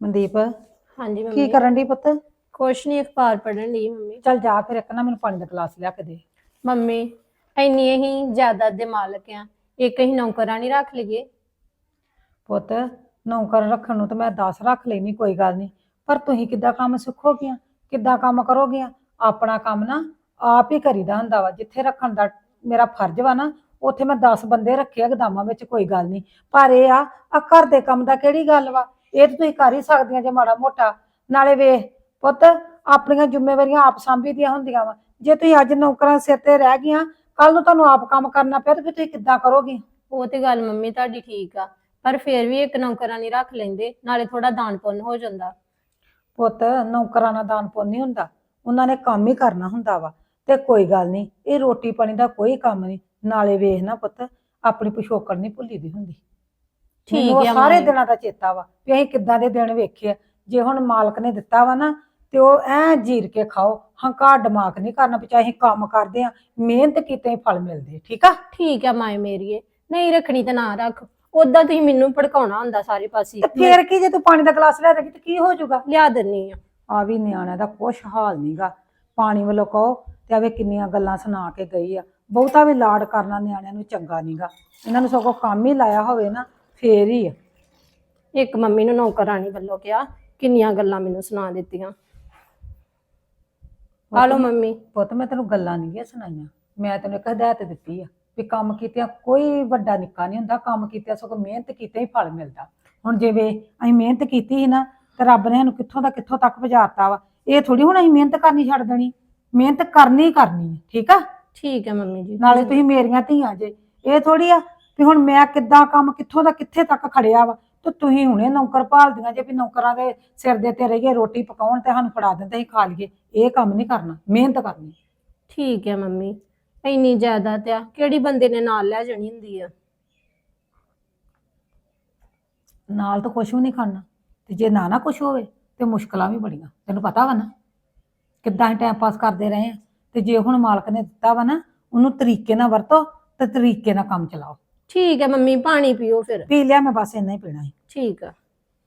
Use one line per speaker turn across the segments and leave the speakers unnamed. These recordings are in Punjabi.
ਮਨਦੀਪ
ਹਾਂਜੀ
ਕੀ
ਮੰਮੀ।
ਕਰਨ ਦੀ ਪੁੱਤ?
ਕੁਛ ਨਹੀਂ, ਅਖਬਾਰ ਪੜ੍ਹਨ ਲਈ ਮੰਮੀ।
ਚੱਲ ਜਾ ਫਿਰ ਇੱਕ ਨਾ ਮੈਨੂੰ ਪਾਣੀ ਦਾ ਗਲਾਸ ਲਿਆ ਕੇ ਦੇ।
ਮੰਮੀ ਇੰਨੀ ਹੀ ਜਾਇਦਾਦ ਦੇ ਮਾਲਕ ਆ, ਇੱਕ ਹੀ ਨੌਕਰਾਂ ਨਹੀਂ ਰੱਖ ਲਈਏ।
ਪੁੱਤ ਨੌਕਰ ਰੱਖਣ ਨੂੰ ਤਾਂ ਮੈਂ 10 ਰੱਖ ਲੈਣੀ, ਕੋਈ ਗੱਲ ਨਹੀਂ। ਪਰ ਤੁਸੀਂ ਕਿੱਦਾਂ ਕੰਮ ਸਿੱਖੋਗੀਆਂ, ਕਿੱਦਾਂ ਕੰਮ ਕਰੋਗੀਆਂ? ਆਪਣਾ ਕੰਮ ਨਾ ਆਪ ਹੀ ਕਰੀਦਾ ਹੁੰਦਾ ਵਾ। ਜਿੱਥੇ ਰੱਖਣ ਦਾ ਮੇਰਾ ਫਰਜ਼ ਵਾ ਨਾ, ਉੱਥੇ ਮੈਂ 10 ਬੰਦੇ ਰੱਖੇ ਆ ਗਦਾਮਾਂ ਵਿੱਚ, ਕੋਈ ਗੱਲ ਨਹੀਂ। ਪਰ ਇਹ ਆ ਘਰ ਦੇ ਕੰਮ ਦਾ ਕਿਹੜੀ ਗੱਲ ਵਾ? ਇਹ ਤਾਂ ਤੁਸੀਂ ਕਰ ਹੀ ਸਕਦੀਆਂ ਜੇ ਮਾੜਾ ਮੋਟਾ। ਨਾਲੇ ਵੇਖ ਪੁੱਤ, ਆਪਣੀਆਂ ਜ਼ਿੰਮੇਵਾਰੀਆਂ ਆਪ ਸਾਂਭੀਦੀਆਂ ਹੁੰਦੀਆਂ ਵਾ। ਜੇ ਤੁਸੀਂ ਅੱਜ ਨੌਕਰਾਂ ਸਿਰ ਤੇ ਰਹਿ ਗਈਆਂ, ਕੱਲ ਨੂੰ ਤੁਹਾਨੂੰ ਆਪ ਕੰਮ ਕਰਨਾ ਪਿਆ ਤੇ ਫਿਰ ਤੁਸੀਂ ਕਿੱਦਾਂ ਕਰੋਗੇ?
ਉਹ ਤੇ ਗੱਲ ਮੰਮੀ ਤੁਹਾਡੀ ਠੀਕ ਆ, ਪਰ ਫਿਰ ਵੀ ਇੱਕ ਨੌਕਰਾਂ ਨਹੀਂ ਰੱਖ ਲੈਂਦੇ, ਨਾਲੇ ਥੋੜਾ ਦਾਨ ਪੁੰਨ ਹੋ ਜਾਂਦਾ।
ਪੁੱਤ ਨੌਕਰਾਂ ਨਾਲ ਦਾਨ ਪੁੰਨ ਨਹੀਂ ਹੁੰਦਾ, ਉਹਨਾਂ ਨੇ ਕੰਮ ਹੀ ਕਰਨਾ ਹੁੰਦਾ ਵਾ। ਤੇ ਕੋਈ ਗੱਲ ਨਹੀਂ, ਇਹ ਰੋਟੀ ਪਾਣੀ ਦਾ ਕੋਈ ਕੰਮ ਨਹੀਂ। ਨਾਲੇ ਵੇਖ ਨਾ ਪੁੱਤ, ਆਪਣੀ ਪਿਛੋਕੜ ਨਹੀਂ ਭੁੱਲੀ ਦੀ ਹੁੰਦੀ। ਮੈਨੂੰ ਉਹ
ਠੀਕ ਆ
ਸਾਰੇ
ਮੰਮੀ।
ਦਿਨਾਂ ਦਾ ਚੇਤਾ ਵਾ ਵੀ ਅਸੀਂ ਕਿੱਦਾਂ ਦੇ ਦਿਨ ਵੇਖੇ ਆ। ਜੇ ਹੁਣ ਮਾਲਕ ਨੇ ਦਿੱਤਾ ਵਾ ਨਾ, ਤੇ ਉਹ ਐ ਜੀਰ ਕੇ ਖਾਓ। ਹੰਕਾਰ ਦਿਮਾਗ ਨਹੀਂ ਕਰਨਾ ਵੀ ਚਾਹੇ ਅਸੀਂ ਕੰਮ ਕਰਦੇ ਆ, ਮਿਹਨਤ ਕੀਤੇ ਹੀ ਫਲ ਮਿਲਦੇ। ਠੀਕ ਆ?
ਠੀਕ ਆ ਮਾਏ ਮੇਰੀਏ, ਨਹੀਂ ਰੱਖਣੀ ਤਾਂ ਨਾ ਰੱਖ। ਉਦਾਂ ਤੁਸੀਂ ਮੈਨੂੰ ਭੜਕਾਉਣਾ ਹੁੰਦਾ ਸਾਰੇ ਪਾਸੇ।
ਤੇ ਫੇਰ ਕੀ, ਜੇ ਤੂੰ ਪਾਣੀ ਦਾ ਗਲਾਸ ਲੈ ਦੇਗੀ ਤੇ ਕੀ ਹੋ ਜਾਊਗਾ?
ਲਿਆ ਦਿੰਨੀ ਆ।
ਆ ਵੀ ਨਿਆਣਿਆਂ ਦਾ ਕੁਛ ਹਾਲ ਨਹੀਂਗਾ। ਪਾਣੀ ਵੱਲੋਂ ਕਹੋ ਤੇ ਆਵੇ ਕਿੰਨੀਆਂ ਗੱਲਾਂ ਸੁਣਾ ਕੇ ਗਈ ਆ। ਬਹੁਤਾ ਵੀ ਲਾਡ ਕਰਨਾ ਨਿਆਣਿਆਂ ਨੂੰ ਚੰਗਾ ਨਹੀਂਗਾ। ਇਹਨਾਂ ਨੂੰ ਸਗੋਂ ਕੰਮ ਹੀ ਲਾਇਆ ਹੋਵੇ ਨਾ, ਫੇਰ ਹੀ ਆ।
ਇੱਕ ਮੰਮੀ ਨੂੰ ਨੌਕਰਾਣੀ ਵੱਲੋਂ ਕਿਹਾ, ਕਿੰਨੀਆਂ ਗੱਲਾਂ ਮੈਨੂੰ ਸੁਣਾ ਦਿੱਤੀਆਂ। ਆ ਲਓ ਮੰਮੀ।
ਪੁੱਤ ਮੈਂ ਤੈਨੂੰ ਗੱਲਾਂ ਨਹੀਂ ਸੁਣਾਈਆਂ, ਮੈਂ ਤੈਨੂੰ ਇੱਕ ਹਦਾਇਤ ਦਿੱਤੀ ਆ ਵੀ ਕੰਮ ਕੀਤਿਆਂ ਕੋਈ ਵੱਡਾ ਨਿੱਕਾ ਨਹੀਂ ਹੁੰਦਾ। ਕੰਮ ਕੀਤਿਆਂ ਸਗੋਂ ਮਿਹਨਤ ਕੀਤੇ ਹੀ ਫਲ ਮਿਲਦਾ। ਹੁਣ ਜਿਵੇਂ ਅਸੀਂ ਮਿਹਨਤ ਕੀਤੀ ਸੀ ਨਾ, ਤੇ ਰੱਬ ਨੇ ਸਾਨੂੰ ਕਿੱਥੋਂ ਦਾ ਕਿੱਥੋਂ ਤੱਕ ਪਹੁੰਚਾਤਾ ਵਾ। ਇਹ ਥੋੜੀ ਹੁਣ ਅਸੀਂ ਮਿਹਨਤ ਕਰਨੀ ਛੱਡ ਦੇਣੀ, ਮਿਹਨਤ ਕਰਨੀ ਕਰਨੀ ਹੈ। ਠੀਕ ਆ?
ਠੀਕ ਹੈ ਮੰਮੀ ਜੀ।
ਨਾਲੇ ਤੁਸੀਂ ਮੇਰੀਆਂ ਧੀਆਂ ਜੇ, ਇਹ ਥੋੜੀ ਆ ਵੀ ਹੁਣ ਮੈਂ ਕਿੱਦਾਂ ਕੰਮ ਕਿੱਥੋਂ ਦਾ ਕਿੱਥੇ ਤੱਕ ਖੜਿਆ ਵਾ, ਤੇ ਤੁਸੀਂ ਹੁਣੇ ਨੌਕਰ ਭਾਲਦੀਆਂ ਜੇ ਵੀ ਨੌਕਰਾਂ ਦੇ ਸਿਰ ਦੇ ਤੇ ਰਹੀਏ, ਰੋਟੀ ਪਕਾਉਣ ਤੇ ਸਾਨੂੰ ਫੜਾ ਦਿੰਦੇ ਅਸੀਂ ਖਾ ਲਈਏ। ਇਹ ਕੰਮ ਨਹੀਂ ਕਰਨਾ, ਮਿਹਨਤ ਕਰਨੀ।
ਠੀਕ ਹੈ ਮੰਮੀ, ਇੰਨੀ ਜਾਇਦਾਦ ਆ ਕਿਹੜੀ ਬੰਦੇ ਨੇ ਨਾਲ ਲੈ ਜਾਣੀ ਹੁੰਦੀ ਆ।
ਨਾਲ ਤਾਂ ਕੁਛ ਵੀ ਨਹੀਂ ਖਾਣਾ, ਤੇ ਜੇ ਨਾ ਕੁਛ ਹੋਵੇ ਤੇ ਮੁਸ਼ਕਲਾਂ ਵੀ ਬੜੀਆਂ। ਤੈਨੂੰ ਪਤਾ ਵਾ ਨਾ ਕਿੱਦਾਂ ਅਸੀਂ ਟਾਈਮ ਪਾਸ ਕਰਦੇ ਰਹੇ ਆ। ਤੇ ਜੇ ਹੁਣ ਮਾਲਕ ਨੇ ਦਿੱਤਾ ਵਾ ਨਾ, ਉਹਨੂੰ ਤਰੀਕੇ ਨਾਲ ਵਰਤੋ ਤੇ ਤਰੀਕੇ ਨਾਲ ਕੰਮ ਚਲਾਓ।
ਠੀਕ ਹੈ ਮੰਮੀ, ਪਾਣੀ ਪੀਓ ਫਿਰ।
ਪੀ ਲਿਆ ਮੈਂ, ਬਸ ਇੰਨਾ ਹੀ ਪੀਣਾ ਸੀ।
ਠੀਕ ਆ।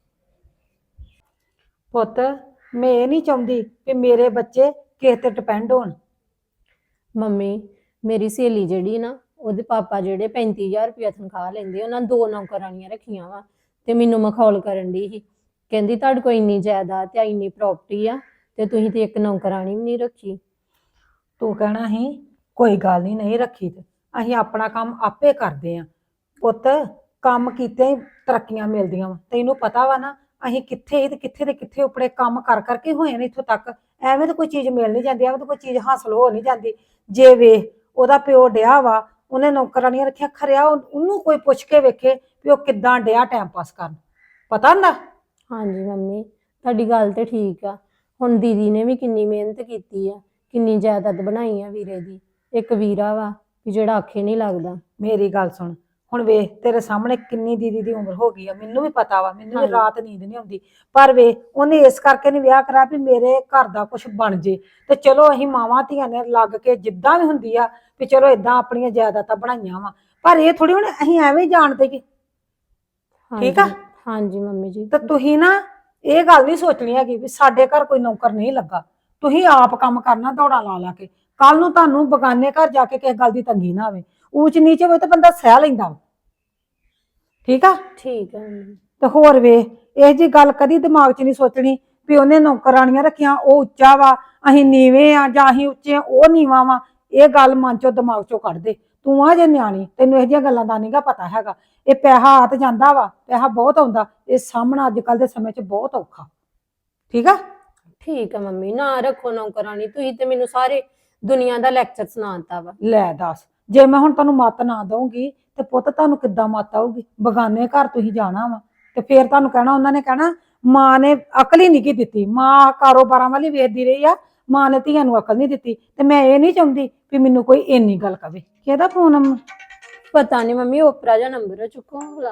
ਪੁੱਤ ਮੈਂ ਇਹ ਨਹੀਂ ਚਾਹੁੰਦੀ ਕਿ ਮੇਰੇ ਬੱਚੇ ਕਿਸੇ ਤੇ ਡਿਪੈਂਡ ਹੋਣ।
ਮੰਮੀ ਮੇਰੀ ਸਹੇਲੀ ਜਿਹੜੀ ਨਾ, ਉਹਦੇ ਪਾਪਾ ਜਿਹੜੇ 35,000 ਰੁਪਇਆ ਤਨਖਾਹ ਲੈਂਦੇ, ਉਹਨਾਂ 2 ਨੌਕਰਾਣੀਆਂ ਰੱਖੀਆਂ ਵਾ। ਤੇ ਮੈਨੂੰ ਮਖੌਲ ਕਰਨ ਦੀ ਸੀ, ਕਹਿੰਦੀ ਤੁਹਾਡੇ ਕੋਲ ਇੰਨੀ ਜਾਇਦਾਦ ਤੇ ਇੰਨੀ ਪ੍ਰਾਪਰਟੀ ਆ, ਤੇ ਤੁਸੀਂ ਤੇ ਇੱਕ ਨੌਕਰਾਣੀ ਵੀ ਨਹੀਂ ਰੱਖੀ।
ਤੂੰ ਕਹਿਣਾ ਸੀ ਕੋਈ ਗੱਲ ਨਹੀਂ, ਨਹੀਂ ਰੱਖੀ ਤੇ ਅਸੀਂ ਆਪਣਾ ਕੰਮ ਆਪੇ ਕਰਦੇ ਆ। ਪੁੱਤ ਕੰਮ ਕੀਤੇ ਹੀ ਤਰੱਕੀਆਂ ਮਿਲਦੀਆਂ ਵਾ। ਤੈਨੂੰ ਪਤਾ ਵਾ ਨਾ ਅਸੀਂ ਕਿੱਥੇ ਤੇ ਕਿੱਥੇ ਦੇ ਕਿੱਥੇ ਉਪਰੇ ਕੰਮ ਕਰ ਕਰਕੇ ਹੋਏ ਨੇ ਇੱਥੋਂ ਤੱਕ। ਐਵੇਂ ਤਾਂ ਕੋਈ ਚੀਜ਼ ਮਿਲ ਨਹੀਂ ਜਾਂਦੀ, ਐਵੇਂ ਤਾਂ ਕੋਈ ਚੀਜ਼ ਹਾਸਲ ਹੋ ਨਹੀਂ ਜਾਂਦੀ। ਜੇ ਵੇਖ ਉਹਦਾ ਪਿਓ ਡਿਆ ਵਾ, ਉਹਨੇ ਨੌਕਰਾਣੀਆਂ ਰੱਖਿਆ, ਖਰਿਆ ਉਹਨੂੰ ਕੋਈ ਪੁੱਛ ਕੇ ਵੇਖੇ ਵੀ ਉਹ ਕਿੱਦਾਂ ਡਿਆ ਟਾਈਮ ਪਾਸ ਕਰਨ। ਪਤਾ ਹੁੰਦਾ?
ਹਾਂਜੀ ਮੰਮੀ ਤੁਹਾਡੀ ਗੱਲ ਤੇ ਠੀਕ ਆ। ਹੁਣ ਦੀਦੀ ਨੇ ਵੀ ਕਿੰਨੀ ਮਿਹਨਤ ਕੀਤੀ ਆ, ਕਿੰਨੀ ਜਾਇਦਾਦ ਬਣਾਈ ਆ ਵੀਰੇ ਦੀ। ਇੱਕ ਵੀਰਾ ਵਾ ਵੀ ਜਿਹੜਾ ਆਖੇ ਨਹੀਂ ਲੱਗਦਾ।
ਮੇਰੀ ਗੱਲ ਸੁਣ, ਹੁਣ ਵੇਖ ਤੇਰੇ ਸਾਹਮਣੇ ਕਿੰਨੀ ਦੀਦੀ ਦੀ ਉਮਰ ਹੋ ਗਈ ਆ, ਮੈਨੂੰ ਵੀ ਪਤਾ ਵਾ। ਮੈਨੂੰ ਵੀ ਰਾਤ ਨੀਂਦ ਨਹੀਂ ਆਉਂਦੀ। ਪਰ ਵੇ ਉਹਨੇ ਇਸ ਕਰਕੇ ਨਹੀਂ ਵਿਆਹ ਕਰਾ ਵੀ ਮੇਰੇ ਘਰ ਦਾ ਕੁਝ ਬਣ ਜੇ। ਤੇ ਚਲੋ ਅਸੀਂ ਮਾਵਾਂ ਧੀਆਂ ਨੇ ਲੱਗ ਕੇ ਜਿੱਦਾਂ ਵੀ ਹੁੰਦੀ ਆ ਵੀ ਚਲੋ ਇਦਾਂ ਆਪਣੀਆਂ ਜਾਇਦਾਦਾਂ ਬਣਾਈਆਂ ਵਾ। ਪਰ ਇਹ ਥੋੜੀ ਹੁਣ ਅਸੀਂ ਐਵੇਂ ਹੀ ਜਾਣਦੇ ਕਿ ਠੀਕ ਆ।
ਹਾਂਜੀ ਮੰਮੀ ਜੀ।
ਤੇ ਤੁਸੀਂ ਨਾ ਇਹ ਗੱਲ ਨਹੀਂ ਸੋਚਣੀ ਹੈਗੀ ਵੀ ਸਾਡੇ ਘਰ ਕੋਈ ਨੌਕਰ ਨਹੀਂ ਲੱਗਾ। ਤੁਸੀਂ ਆਪ ਕੰਮ ਕਰਨਾ ਦੌੜਾ ਲਾ ਲਾ ਕੇ। ਕੱਲ ਨੂੰ ਤੁਹਾਨੂੰ ਬਗਾਨੇ ਘਰ ਜਾ ਕੇ ਕਿਸੇ ਗੱਲ ਦੀ ਤੰਗੀ ਨਾ ਆਵੇ। ਊਚ ਨੀਚ ਹੋਵੇ ਤਾਂ ਬੰਦਾ ਸਹਿ ਲੈਂਦਾ। ਠੀਕ ਆ?
ਠੀਕ ਹੈ ਮੰਮੀ।
ਤੇ ਹੋਰ ਵੇ ਇਹ ਜੀ ਗੱਲ ਕਦੀ ਦਿਮਾਗ 'ਚ ਨਹੀਂ ਸੋਚਣੀ ਵੀ ਉਹਨੇ ਨੌਕਰਾਣੀਆਂ ਰੱਖੀਆਂ, ਉਹ ਉੱਚਾ ਵਾ, ਅਸੀਂ ਨੀਵੇਂ ਆ, ਜਾਂ ਅਸੀਂ ਉੱਚੇ ਆ ਉਹ ਨੀਵਾਂ ਵਾ। ਇਹ ਗੱਲ ਮਨ 'ਚੋਂ ਦਿਮਾਗ 'ਚੋਂ ਕੱਢ ਦੇ। ਤੂੰ ਆ ਜੇ ਨਿਆਣੀ, ਤੈਨੂੰ ਇਹੋ ਜਿਹੀਆਂ ਗੱਲਾਂ ਦਾ ਨਹੀਂਗਾ ਪਤਾ ਹੈਗਾ। ਇਹ ਪੈਸਾ ਆ ਤੇ ਜਾਂਦਾ ਵਾ, ਪੈਸਾ ਬਹੁਤ ਆਉਂਦਾ। ਇਹ ਸਾਹਮਣਾ ਅੱਜ ਕੱਲ ਦੇ ਸਮੇਂ 'ਚ ਬਹੁਤ ਔਖਾ। ਠੀਕ ਆ?
ਠੀਕ ਹੈ ਮੰਮੀ, ਨਾ ਰੱਖੋ ਨੌਕਰਾਣੀ। ਤੁਸੀਂ ਤੇ ਮੈਨੂੰ ਸਾਰੇ ਦੁਨੀਆ ਦਾ ਲੈਕਚਰ ਸੁਣਾਤਾ ਵਾ।
ਲੈ ਦੱਸ, ਜੇ ਮੈਂ ਹੁਣ ਤੁਹਾਨੂੰ ਮੱਤ ਨਾ ਦਊਂਗੀ ਤੇ ਪੁੱਤ ਤੁਹਾਨੂੰ ਕਿੱਦਾਂ ਮੱਤ ਆਊਗੀ? ਬਗਾਨੇ ਘਰ ਤੁਸੀਂ ਜਾਣਾ ਵਾ ਤੇ ਫੇਰ ਤੁਹਾਨੂੰ ਕਹਿਣਾ, ਉਹਨਾਂ ਨੇ ਕਹਿਣਾ ਮਾਂ ਨੇ ਅਕਲ ਹੀ ਨਹੀਂ ਕੀ ਦਿੱਤੀ। ਮਾਂ ਕਾਰੋਬਾਰਾਂ ਵਾਲੀ ਵੇਖਦੀ ਰਹੀ ਆ, ਮਾਂ ਨੇ ਧੀਆਂ ਨੂੰ ਅਕਲ ਨਹੀਂ ਦਿੱਤੀ। ਤੇ ਮੈਂ ਇਹ ਨਹੀਂ ਚਾਹੁੰਦੀ ਵੀ ਮੈਨੂੰ ਕੋਈ ਇੰਨੀ ਗੱਲ ਕਵੇ। ਕਿਹਦਾ ਫੋਨ?
ਪਤਾ ਨਹੀਂ ਮੰਮੀ, ਓਪਰਾ ਦਾ ਨੰਬਰ ਹੈ, ਚੁੱਕੋ ਭਲਾ।